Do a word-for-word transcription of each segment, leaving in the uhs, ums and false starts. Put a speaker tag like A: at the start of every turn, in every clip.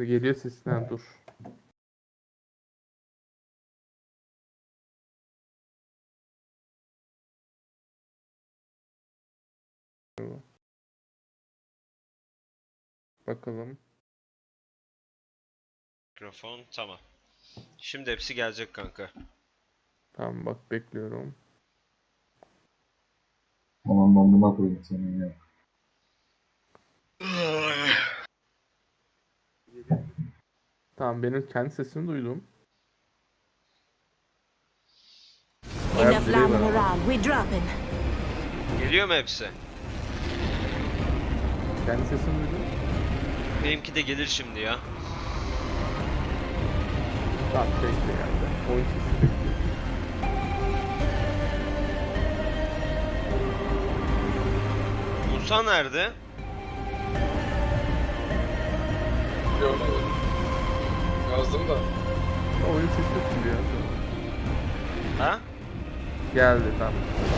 A: Geliyor sesten dur. Bakalım.
B: Mikrofon tamam. Şimdi hepsi gelecek kanka.
A: Tamam bak bekliyorum.
C: Aman ben buna koyayım senin ya.
A: Tamam benim kendi sesimi duydum. Bayağı
D: Enough
A: bir delay var
D: lambing
A: ama.
D: around. We're dropping.
B: Geliyor mu hepsi?
A: Kendi sesimi duydum.
B: Benimki de gelir şimdi ya.
A: Tamam şey işte geldi. Oyun sesi bekliyor.
B: Musa nerede?
E: Görmedim. Yazdım da.
A: Oyun sesi geliyor.
B: Ha?
A: Geldi tamam.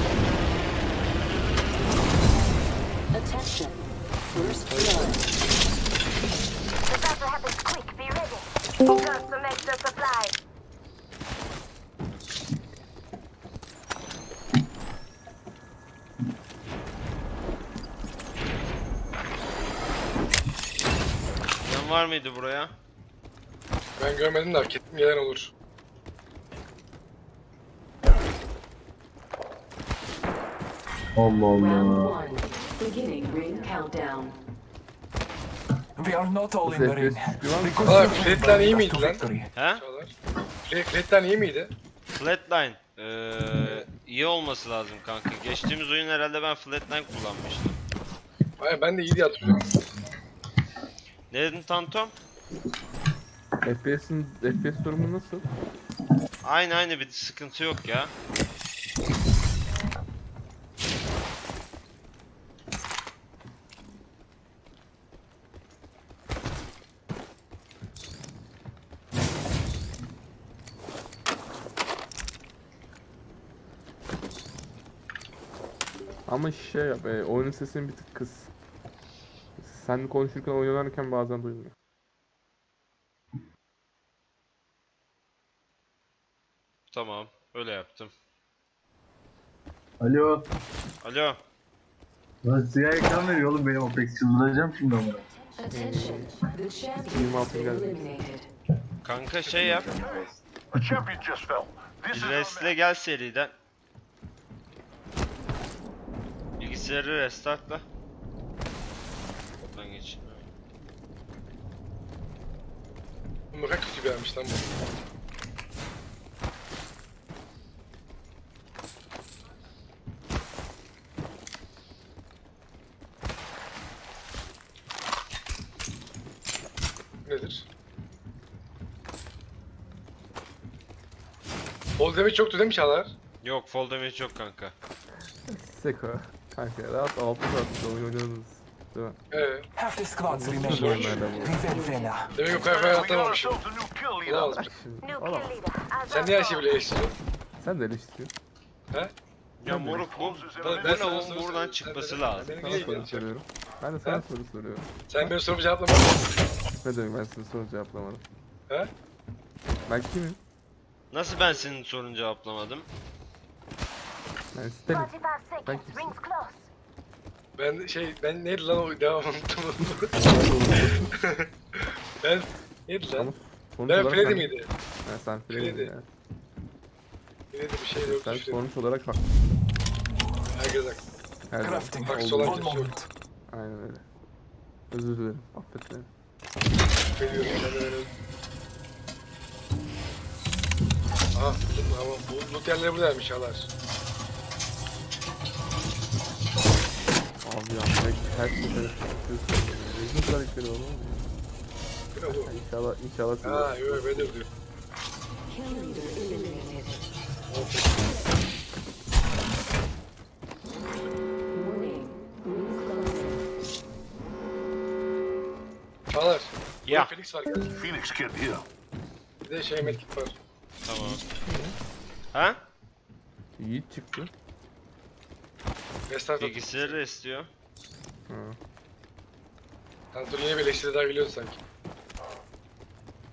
F: Attention. First blood.
D: The battle happens quick. Be ready. Got some extra supplies.
B: Yan var mıydı buraya?
E: Ben görmedim de hak ettim, gelen olur.
C: Allah
F: Round
C: Allah.
F: one. Beginning ring countdown.
G: We are not all in
A: Nasıl
G: the ring.
A: F P S düştü lan?
G: Because
E: Aa,
G: you will
E: Fred'den iyi
G: bring us
E: miydi
G: to
E: lan?
G: victory.
B: He?
E: Çağlar. Fred, Fred'den iyi miydi?
B: Flatline. Ee, iyi olması lazım kanka. Geçtiğimiz oyun herhalde ben Flatline kullanmıştım.
E: Hayır, ben de iyi diye hatırlıyorum.
B: Ne dedin Tantom?
A: F P S'in F P S durumu nasıl?
B: Aynı aynı bir sıkıntı yok ya.
A: Ama şey yap, e, oyunun sesini bir tık kıs. Sen konuşurken oynanırken bazen duymuyor.
B: Tamam. Öyle yaptım.
C: Alo.
B: Alo.
C: Lan siyah ekran veriyor oğlum benim Apex, çıldıracağım şimdi ama.
F: Attention. The champion
A: yirmi
F: has
A: altı
F: been
A: geldi.
F: eliminated.
B: Kanka şey yap.
H: The champion just fell. This is
B: Bir
H: our
B: restle gel seriden. Bilgisayarı restartla. Oradan geç.
E: Bu ne kadar kötü gelmiş lan bu. Nedir? Bol demek yoktu değil mi Çağlar?
B: Yok fall damage yok kanka.
A: Seko. Kanka rahat altı saat oyun oynadınız. Değil mi?
E: Ee,
G: Half the squads remain.
A: Nasıl oyunlarda bu?
G: Rivendella.
E: demek o kadar falan
H: We got
E: atlamamışım.
H: ourselves a new kill leader.
E: Olamaz.
A: Bırak şimdi.
D: New
A: Olamaz.
D: kill leader. As
E: Sen
D: I
E: niye her
D: thought.
E: şeyi bile eleştiriyorsun?
A: Sen de eleştiriyorsun.
E: He?
B: Ya moruk bu,
H: Closes in
E: Ben-
H: a
E: ben
B: bu
H: minute.
E: sana
B: lavuğun
E: soru
B: buradan
E: soruyorum.
B: çıkması
E: Sen-
B: lazım.
E: Beni
A: Sana
E: niye
A: soru
E: ilgilendireceksin?
A: soruyorum. Ben de sana
E: Ha?
A: soru soruyorum.
E: Sen benim sorumu cevaplamadın.
A: Ne demek ben sizin soru cevaplamadım.
E: He?
A: Ben kimim?
B: Nasıl ben senin sorunu cevaplamadım?
A: Ben Stanley.
D: forty-five seconds.
A: kimsin?
D: Rings close.
E: Ben şey, ben neydi lan o devam unuttum. Ben neydi
A: Ama
E: lan?
A: sonuç
E: Ben
A: olarak
E: Freddy
A: sen-
E: miydi?
A: Ha, sen
E: Freddy.
A: Freddy ya.
E: Neydi bir şey yok.
A: Sen
E: Şey.
A: sonuç olarak haklısın.
E: Herkes haklı.
A: Her zaman.
G: Crafting.
E: Haksız
A: Olduğu
E: olan
G: One
A: gibi.
E: kimse yok.
G: moment.
A: Aynen öyle. Özür dilerim. Affet beni.
E: Veriyorum ben de öyle. Aha, tamam. Bu loot yerleri buradaymış Çağlar.
A: Abi ya her, her sefer yapıyorsun. Rezil karakteri oğlum.
E: Ne oldu?
A: İnşallah inşallah size.
E: Ha, yok böyle diyor.
F: Kill leader eliminated. Warning. Ring closing.
E: Çağlar.
B: Ya.
E: Ya. Phoenix var gel.
H: Phoenix kid here.
E: Bir de şey medkit var.
B: Tamam. Ha?
A: Yiğit çıktı.
E: Restart at.
B: Bilgisayarı istiyor.
A: Ha.
E: Kanka dur, yine bir eleştiri daha geliyordu sanki.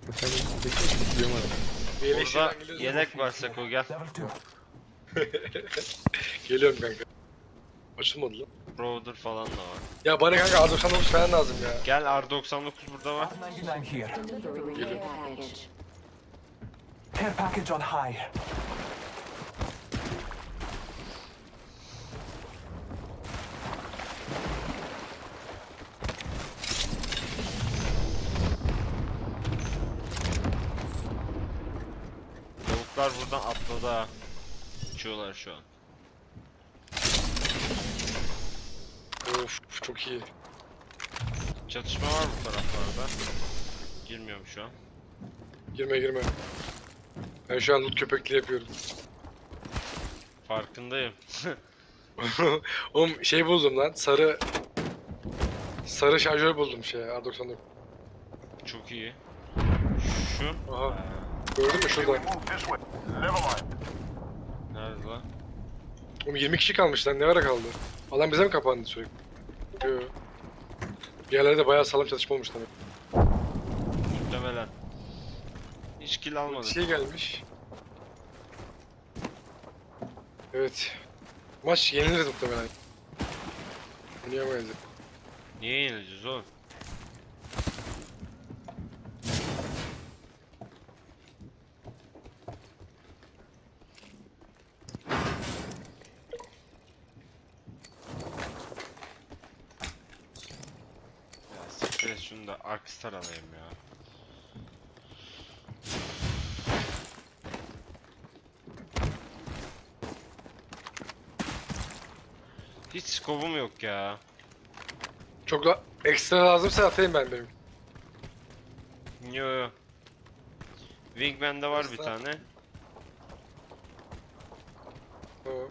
A: Sen de tutuyorum adam.
E: Bir yelek
B: Burada
E: şeyden geliyoruz.
B: yelek var Seko gel.
G: Level two.
E: Geliyorum kanka. Açılmadı lan.
B: Browder falan da var.
E: Ya bana kanka R doksan dokuz falan lazım ya.
B: Gel R doksan dokuz burada var.
G: R ninety-nine here.
F: Delivering care package.
G: Care package on high.
B: Tavuklar buradan atladı ha. Uçuyorlar şu an.
E: Of çok iyi.
B: Çatışma var bu taraflarda. Girmiyorum şu an.
E: Girme girme. Ben şu an loot köpekliği yapıyorum.
B: Farkındayım.
E: Oğlum şey buldum lan. Sarı sarı şarjör buldum şey R doksan dokuz.
B: Çok iyi. Şu.
E: Aha. Gördün mü şurada?
H: Move this way. Never mind.
B: Nerede lan?
E: Oğlum yirmi kişi kalmış lan ne ara kaldı? Alan bize mi kapandı sürekli? Yo. Bir yerlerde bayağı sağlam çatışma olmuş demek.
B: Muhtemelen. Hiç kill almadık.
E: Şey gelmiş. Evet. Maç yeniliriz muhtemelen. Oynayamayız.
B: Niye yenileceğiz oğlum? Ya siktir et şunu da Arkstar alayım ya. Hiç skobum yok ya.
E: Çok da ekstra lazımsa atayım ben benim.
B: Yo yo. Wingman'de var bir
E: Aslında-
B: tane.
E: Tamam.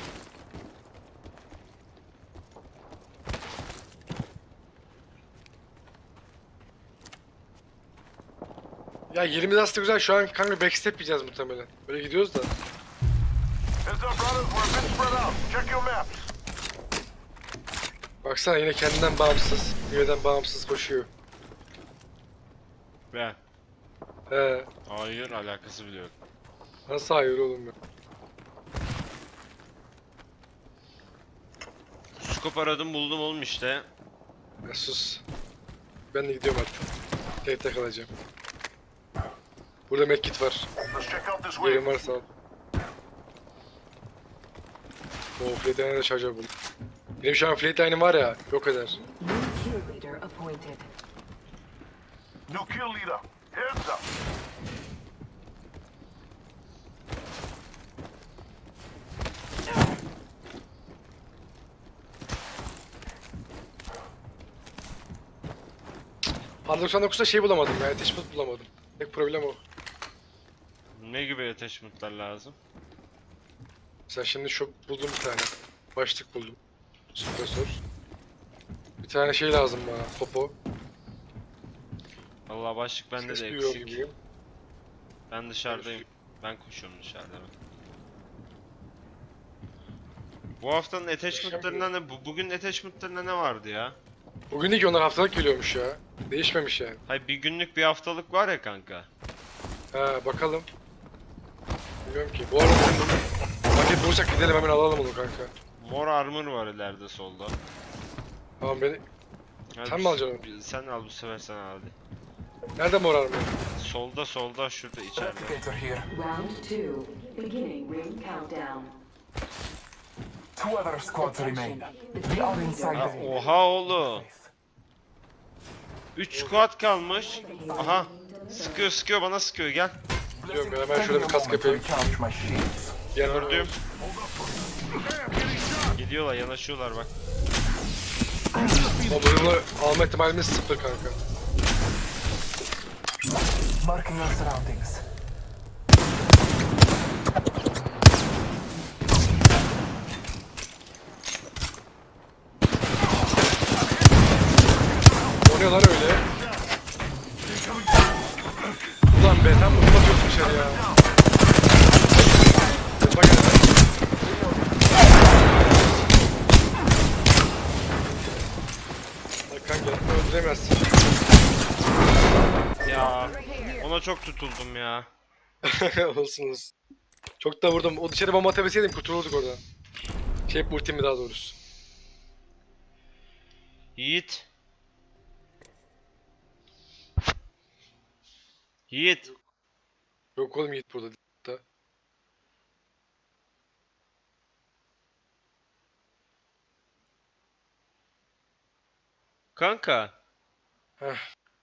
E: Ya yerimiz aslında güzel. Şu an kanka backstep yiyeceğiz muhtemelen. Böyle gidiyoruz da.
H: Heads up, brothers. We're a bit spread out. Check your maps.
E: Baksana yine kendinden bağımsız, üyeden bağımsız koşuyor.
B: Ben.
E: He.
B: Hayır alakası bile yok.
E: Nasıl hayır oğlum ya?
B: Scope aradım buldum oğlum işte.
E: Ya sus. Ben de gidiyorum artık. Tekte kalacağım. Burada medkit var.
H: Let's check out this
E: Yerim
H: way.
E: varsa al. Oo flatline'e de şarjör buldum. Benim şu an flatline'im var ya, yok eder.
F: New kill leader appointed.
H: New kill leader. Heads up.
E: R doksan dokuzda şey bulamadım ya, attachment bulamadım. Tek problem o.
B: Ne gibi attachment'lar lazım?
E: Mesela şimdi şu buldum bir tane. Başlık buldum. Suppressor. Bir tane şey lazım bana, popo.
B: Allah başlık bende de
E: Ses duyuyor
B: eksik.
E: gibiyim.
B: Ben dışarıdayım. Ben koşuyorum dışarıda. ben. Bu haftanın attachment'larında ne? Bu, bugün attachment'larında ne vardı ya?
E: Bugün değil ki onlar haftalık geliyormuş ya. Değişmemiş yani.
B: Hayır bir günlük bir haftalık var ya kanka.
E: Ha bakalım. Bilmiyorum ki. Bu arada benim bu paket bulursak gidelim hemen alalım onu kanka.
B: Mor armor var ileride solda.
E: Tamam beni...
B: Hadi
E: Sen mi
B: bu-
E: alacaksın
B: bir- Sen al bu sefer sen al hadi.
E: Nerede morar mı?
B: Solda solda şurada içeride.
G: Replicator here.
F: Round two. Beginning ring countdown.
G: Two other squads remain.
F: The
G: We
F: kill
G: are inside
F: leader.
G: the ring.
B: Oha oğlum. üç squad kalmış. Aha. Sıkıyor sıkıyor bana sıkıyor gel.
E: Biliyorum ben hemen şöyle bir kask yapayım.
G: Recharge my shields.
B: Gördüm. Gidiyorlar yanaşıyorlar bak.
E: O bölümü alma ihtimalimiz sıfır kanka.
G: Marking our surroundings.
E: O ne lan öyle? Ulan be tam bunu yok dışarı ya. Bak Bak kanka öldüremezsin.
B: Ya ona çok tutuldum ya.
E: olsun olsun. Çok da vurdum. O dışarı bomba atabilseydim kurtulurduk oradan. Şey ultimi daha doğrusu.
B: Yiğit. Yiğit.
E: Yok oğlum Yiğit burada. Da.
B: Kanka.
E: Heh.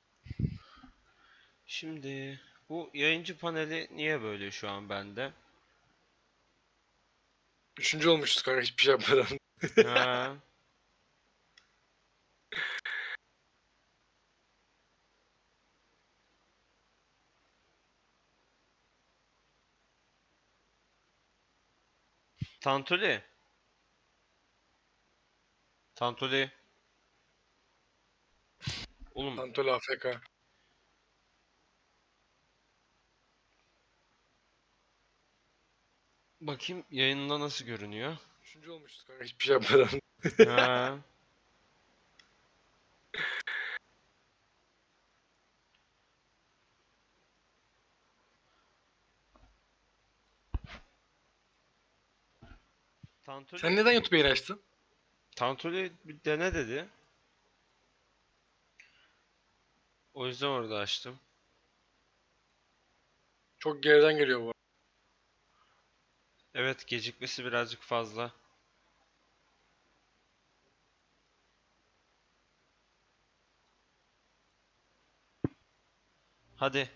B: Şimdi bu yayıncı paneli niye böyle şu an bende?
E: Üçüncü olmuşuz kanka hiçbir şey yapmadan.
B: Ha. Tantuli. Tantuli. Oğlum
E: Antol A F K.
B: bakayım yayında nasıl görünüyor?
E: Üçüncü olmuşuz kanka hiçbir şey yapmadan.
B: Ha. Tantuli.
E: Sen neden YouTube yayını açtın?
B: Tantuli bir dene dedi. O yüzden orada açtım.
E: Çok geriden geliyor bu.
B: Evet, gecikmesi birazcık fazla. Hadi.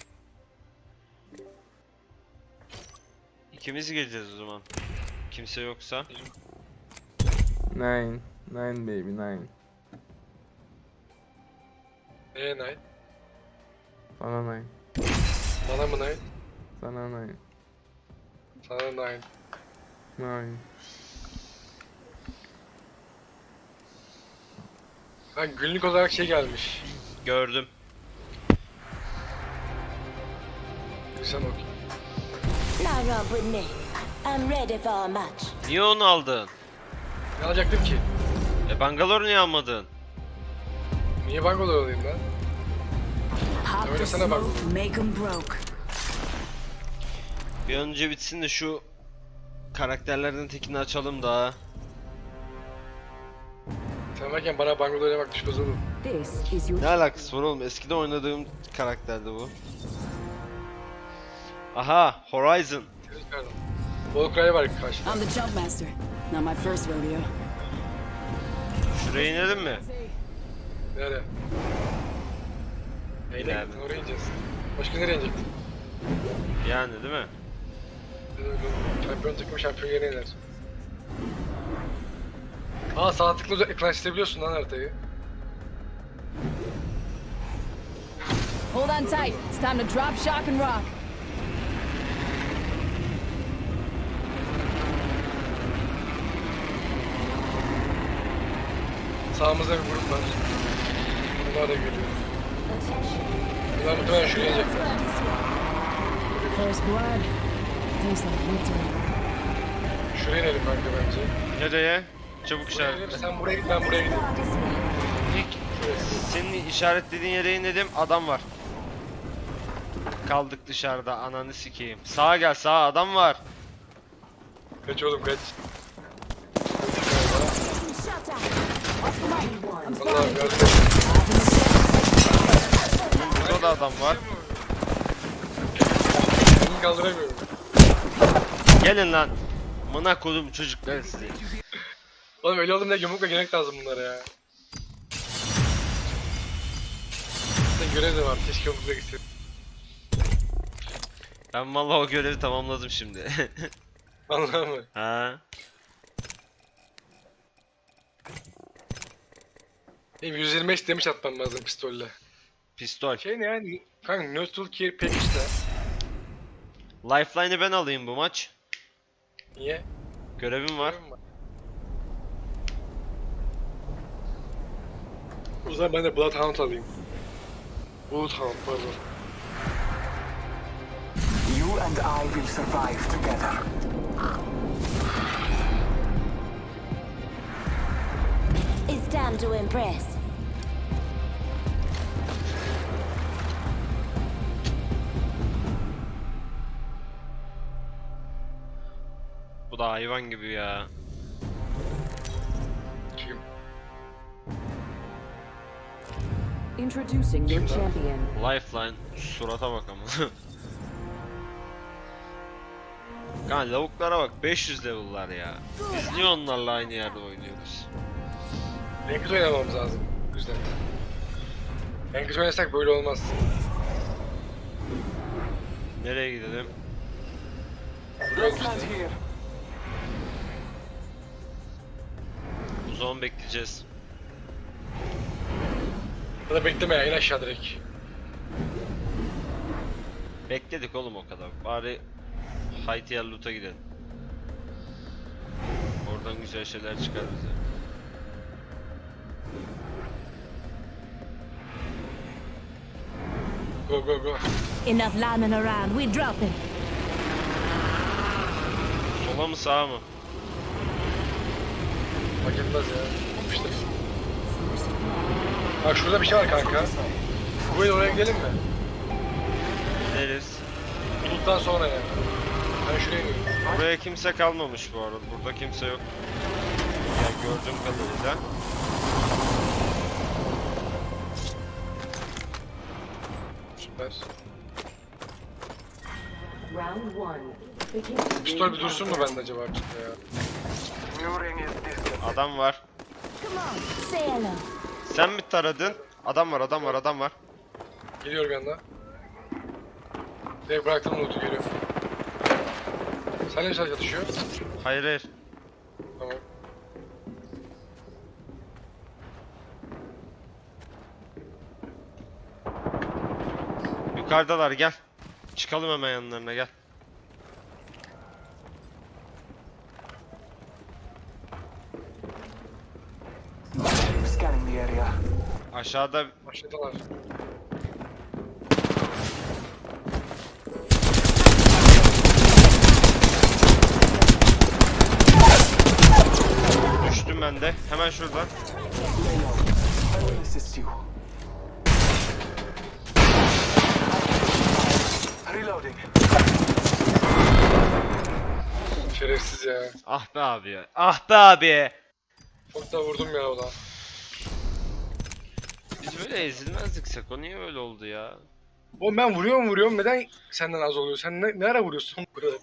B: İkimiz gireceğiz o zaman. Kimse yoksa.
A: Nine. Nine baby nine.
E: Neye nine?
A: Sana nine.
E: Bana mı nine?
A: Sana nine.
E: Sana nine.
A: Nine.
E: Ha günlük olarak şey gelmiş.
B: Gördüm.
E: Sen okey.
D: Now run with me. I'm ready for a match.
B: Niye onu aldın?
E: Ne alacaktım ki?
B: E Bangalore niye almadın?
E: Niye Bangalore alayım ben?
F: Hop
E: Öyle
F: the
E: sana bak.
F: smoke, make 'em broke.
B: Bir an önce bitsin de şu karakterlerden tekini açalım da.
E: Sen varken bana Bangalore'ya bak düşmez oğlum.
F: This is your
B: Ne alakası var oğlum? Eskiden oynadığım karakterdi bu. Aha, Horizon.
E: Seni çıkardım. Volcry var karşıda.
I: I'm the jump master. Not my first rodeo.
B: Şuraya inelim mi?
E: Nerede? Neyle
B: İleride.
E: gittin oraya ineceğiz. Başka nereye inecektin?
B: Yani değil mi?
E: Şampiyon takımı şampiyon yerine iner. Aa sağ tıkla ekran çizebiliyorsun lan haritayı.
I: Hold on tight. It's time to drop, shock, and rock.
E: Sağımızda bir grup var. Bunlar da geliyor. Bunlar muhtemelen şuraya inecekler.
I: First blood. Tastes like victory.
E: Şuraya inelim kanka bence.
B: Nereye? Çabuk
E: Şuraya inelim,
B: işaret.
E: sen buraya git ben buraya gideyim.
B: İlk senin işaretlediğin yere inelim, adam var. Kaldık dışarıda, ananı sikeyim. Sağa gel, sağa adam var.
E: Kaç oğlum kaç. Vallahi gördüm.
B: Burada da adam var.
E: Elini kaldıramıyorum.
B: Gelin lan. Mına kodum çocuklar sizi.
E: Oğlum öyle oğlum ne yumrukla gerek lazım bunlara ya. Sen görev de var. Keşke yumrukla gitsin.
B: Ben vallahi o görevi tamamladım şimdi.
E: Vallahi mı?
B: Ha?
E: Benim yüz yirmi beş damage atmam lazım pistolle.
B: Pistol.
E: Şey ne yani? Kanka neutral gear pek işte.
B: Lifeline'ı ben alayım bu maç.
E: Niye?
B: Görevim var.
E: Görevim var. O zaman ben de Bloodhound alayım. Bloodhound pardon.
G: You and I will survive together.
D: It's time to impress.
B: Bu da hayvan gibi ya.
E: Kim?
F: Introducing your champion.
B: Lifeline surata bak ama. Kan lavuklara bak, beş yüz level'lar ya. Biz niye onlarla aynı yerde oynuyoruz?
E: En kötü oynamamız lazım. O yüzden. En kötü oynasak böyle olmaz.
B: Nereye gidelim?
E: Yok
G: Land
E: işte.
G: here.
B: O zaman bekleyeceğiz.
E: Ya da bekleme ya, in aşağı direkt.
B: Bekledik oğlum o kadar. Bari Haytiyer Loot'a gidelim. Oradan güzel şeyler çıkar bize.
E: Go go go.
I: Enough lambing around. We're dropping.
B: Sola mı sağa mı?
E: Fark etmez ya. İşte. Bak şurada bir şey var kanka. Bu yıl oraya gidelim mi?
B: Gideriz.
E: Buluttan sonra yani. Ben şuraya iniyorum.
B: Buraya kimse kalmamış bu arada. Burada kimse yok. Ya gördüğüm kadarıyla.
E: Süper.
F: Round one. Begin.
E: Pistol bir dursun mu bende acaba artık ya?
G: New ring is distant.
B: Adam var.
I: Come on, say hello.
B: Sen mi taradın? Adam var, adam var, adam var.
E: Geliyorum yanına. Direkt bıraktım loot'u geliyor. Seninle mi sadece atışıyor?
B: Hayır hayır.
E: Tamam.
B: Yukarıdalar, gel. Çıkalım hemen yanlarına, gel.
G: Scanning the area.
B: Aşağıda
E: Aşağıdalar.
B: düştüm ben de. Hemen şuradan.
G: I will assist you. Reloading.
E: Şerefsiz ya.
B: Ah be abi ya. Ah be abi.
E: Çok da vurdum ya ona.
B: Biz böyle ezilmezdik Seko. Niye öyle oldu ya?
E: Oğlum ben vuruyorum vuruyorum. Neden senden az oluyor? Sen ne, ne ara vuruyorsun burada?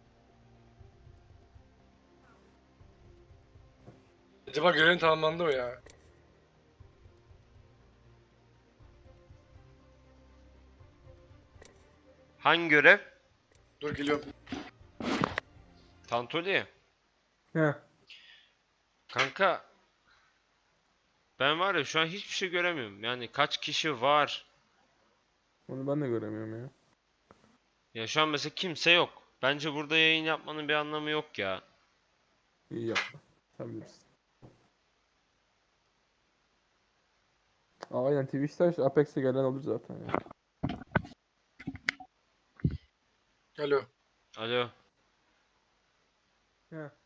E: Acaba görevin tamamlandı mı ya?
B: Hangi görev?
E: Dur geliyorum.
A: He.
B: Tantoli. Kanka. Ben var ya şu an hiçbir şey göremiyorum. Yani kaç kişi var?
A: Onu ben de göremiyorum ya.
B: Ya şu an mesela kimse yok. Bence burada yayın yapmanın bir anlamı yok ya.
A: İyi yapma. Sen bilirsin. Aa, aynen Twitch'te işte Apex'e gelen olur zaten ya.
E: Alo.
B: Alo.
A: He.